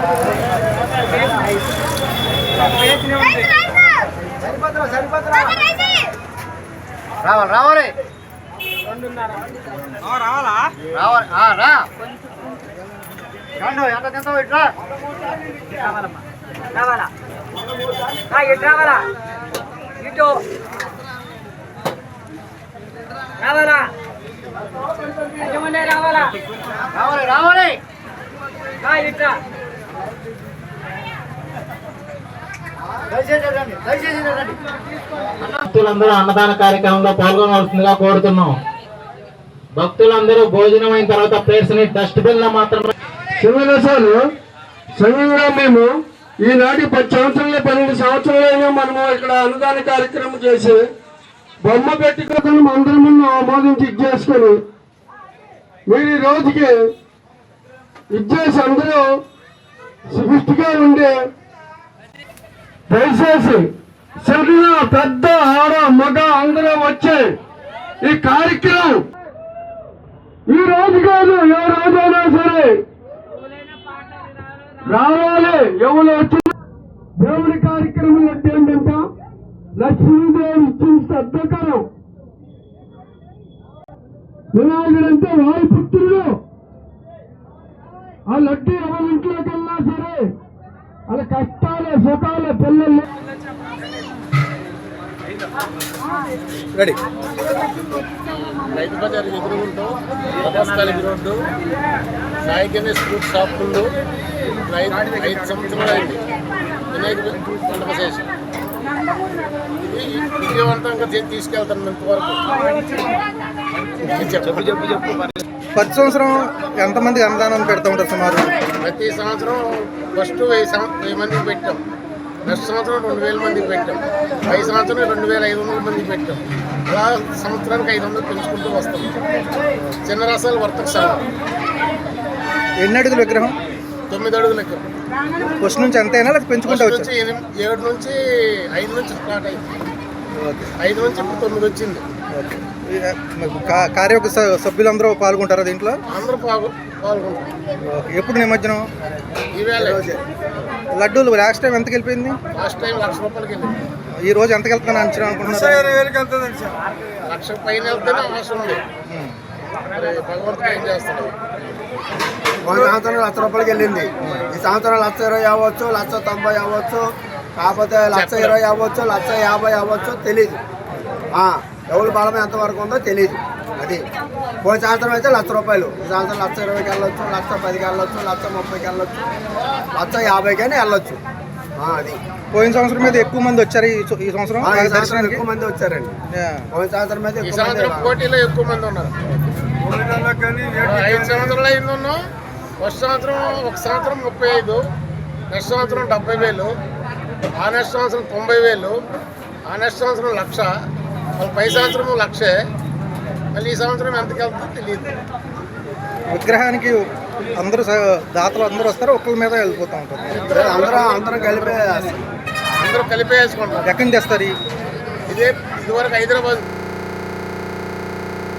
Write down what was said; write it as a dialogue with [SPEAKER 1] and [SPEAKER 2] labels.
[SPEAKER 1] రావాలి రావాలి
[SPEAKER 2] రావాలా
[SPEAKER 1] రావాలి రా ఎంత తింటావు ఇట్లా
[SPEAKER 2] రావాలా ఇటు రావాలా ఇటు రావాలా రావాలా
[SPEAKER 1] రావాలి రావాలి
[SPEAKER 2] ఇట్లా
[SPEAKER 3] భక్తులందరూ అన్నదాన కార్యక్రమంలో పాల్గొనవలసిందిగా కోరుతున్నాం. భక్తులందరూ భోజనం అయిన తర్వాత ప్లేట్స్ ని డస్ట్బిన్ లో మాత్రమే
[SPEAKER 4] సంఘంగా మేము ఈనాటి 10 సంవత్సరాలు 12 సంవత్సరాలైనా మనము ఇక్కడ అన్నదాన కార్యక్రమం చేసి బొమ్మ పెట్టుకొని అందరి ముందు ఆమోదించి ఇచ్చేసుకొని మీరు ఈ రోజుకి ఇచ్చేసి అందరూ సుష్టిగా ఉండే దయచేసి చిన్న పెద్ద ఆడ మగ అందరూ వచ్చే ఈ కార్యక్రమం ఈ రోజు కాదు ఏ రోజైనా సరే రావాలి. ఎవరు వచ్చి దేవుడి కార్యక్రమం అంటే ఏంటంటే లక్ష్మీదేవి ఇచ్చిన శ్రద్ధకరం. వినాయకుడంటే వారి పుత్రుడు. ఆ లడ్డు ఎవరి ఇంట్లోకి వెళ్ళినా సరే వాళ్ళ కష్టాల సుఖాల పిల్లలు
[SPEAKER 3] రైతు బజార్ ఎదురుగుంటూ Rathasthali road Sai Ganesh fruit shop ముందు 5 సంవత్సరాలు అయింది వినాయక పండుగ చేసి ఇది విజయవంతంగా తీసుకెళ్తాను ఇంతవరకు.
[SPEAKER 5] 10 సంవత్సరం ఎంతమంది అన్నదానం పెడతా ఉంటారు సుమారు?
[SPEAKER 3] ప్రతి సంవత్సరం ఫస్ట్ 1000 మందికి పెట్టాం, నెక్స్ట్ సంవత్సరం 2000 మందికి పెట్టాం, 5 సంవత్సరం 2500 మందికి పెట్టాం. అలా సంవత్సరానికి 500 పెంచుకుంటూ వస్తాం. చిన్న రసాలు వర్తక సంఘం.
[SPEAKER 5] ఎన్ని అడుగుల విగ్రహం?
[SPEAKER 3] 9 అడుగుల విగ్రహం.
[SPEAKER 5] ఫస్ట్ నుంచి అంతేనా లేకపోతే పెంచుకుంటా వచ్చి?
[SPEAKER 3] 7 నుంచి 5 నుంచి స్టార్ట్ అయింది. 5 నుంచి ఇప్పుడు 9 వచ్చింది.
[SPEAKER 5] కార్యవర్గ సభ్యులందరూ పాల్గొంటారా దీంట్లో?
[SPEAKER 3] అందరూ పాల్గొంటారు.
[SPEAKER 5] ఎప్పుడు నిమజ్జనం?
[SPEAKER 3] ఈవేళ.
[SPEAKER 5] లడ్డూలు లాస్ట్ టైం ఎంతకి వెళ్ళిపోయింది?
[SPEAKER 3] లాస్ట్ టైం 1,00,000 రూపాయలకి వెళ్ళింది.
[SPEAKER 5] ఈ రోజు ఎంతకి వెళ్తాను అంచనా అనుకుంటున్నారు?
[SPEAKER 3] 1,00,000 పైన వెళ్తేనే అవసరం ఉంది. భగవంతుడు ఏం చేస్తాడు.
[SPEAKER 4] 1 సంవత్సరం 1,00,000 రూపాయలకి వెళ్ళింది. ఈ సంవత్సరం 1,20,000 అవ్వచ్చు, 1,90,000 అవ్వచ్చు, కాకపోతే 1,20,000 అవ్వచ్చు, 1,50,000 అవ్వచ్చు, తెలీదు. ఎవరి బలం ఎంతవరకు ఉందో తెలీదు. అది పోయిన సంవత్సరం అయితే 1,00,000 రూపాయలు, ఈ సంవత్సరం 1,20,000కి వెళ్ళొచ్చు, 1,10,000కి వెళ్ళొచ్చు, 1,30,000కి వెళ్ళొచ్చు, 1,50,000కైనా వెళ్ళొచ్చు. అది
[SPEAKER 5] పోయిన సంవత్సరం మీద ఎక్కువ మంది వచ్చారు. ఈ సంవత్సరం
[SPEAKER 4] ఎక్కువ మంది వచ్చారండి. పోయిన సంవత్సరం మీద
[SPEAKER 3] పోటీలో ఎక్కువ మంది ఉన్నారు. 5 సంవత్సరాలు అయింది ఉన్నాం. ఫస్ట్ సంవత్సరం ఒక సంవత్సరం 35, నెక్స్ట్ సంవత్సరం 70,000, ఆ నెక్స్ట్ సంవత్సరం 90,000, ఆ నెక్స్ట్ సంవత్సరం 1,00,000, మళ్ళీ పై సంవత్సరం 1,00,000, మళ్ళీ ఈ సంవత్సరం ఎంతకి వెళ్తుందో తెలియదు.
[SPEAKER 5] విగ్రహానికి అందరూ దాతలు అందరూ వస్తారు, ఒక్కరి మీద వెళ్ళిపోతూ ఉంటారు.
[SPEAKER 3] అందరూ కలిపేసుకుంటారు.
[SPEAKER 5] ఎక్కడి నుంచి తెస్తారు?
[SPEAKER 3] ఇదివరకు హైదరాబాద్